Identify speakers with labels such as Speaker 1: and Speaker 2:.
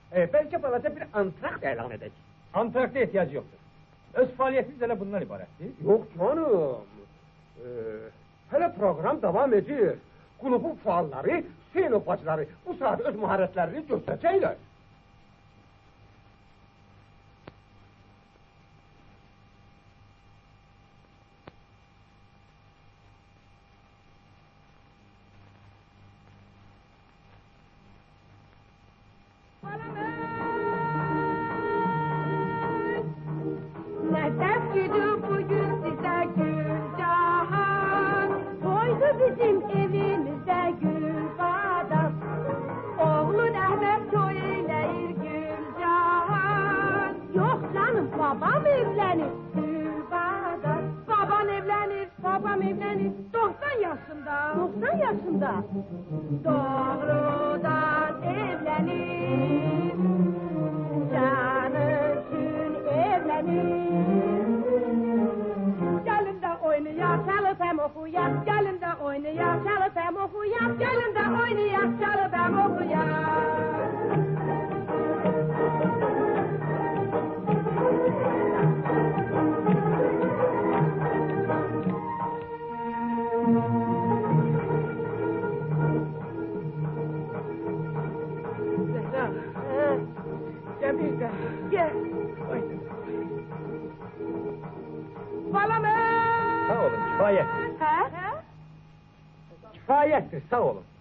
Speaker 1: Belki balaca bir antrakt elan edecek.
Speaker 2: Antrakta ihtiyacı yoktur. Öz faaliyetimiz hele bundan ibarettir.
Speaker 1: Yok canım. Hele program devam ediyor. Kulübün faalları, Hüseyin bacıları bu saat öz maharetlerini gösterecekler.
Speaker 3: Bizim evimizde Gülbadam, oğlun Ahmet toy eyleyir Gülcahan. Yok canım, babam evlenir Gülbadam. Babam evlenir 90 yaşında. 90 yaşında. Doğrudan evlenir, canı için evlenir. Gelin de oynayar, çalıp hem okuyar. Gelin de oynayar, çalıp hem okuyar. Gelin de oynayar, çalıp hem okuyar.
Speaker 1: Zehra, gel bir de. Gel.
Speaker 3: Balamı!
Speaker 2: Sağ olun, kifayet.
Speaker 3: Ha?
Speaker 2: Kifayettir, sağ olun.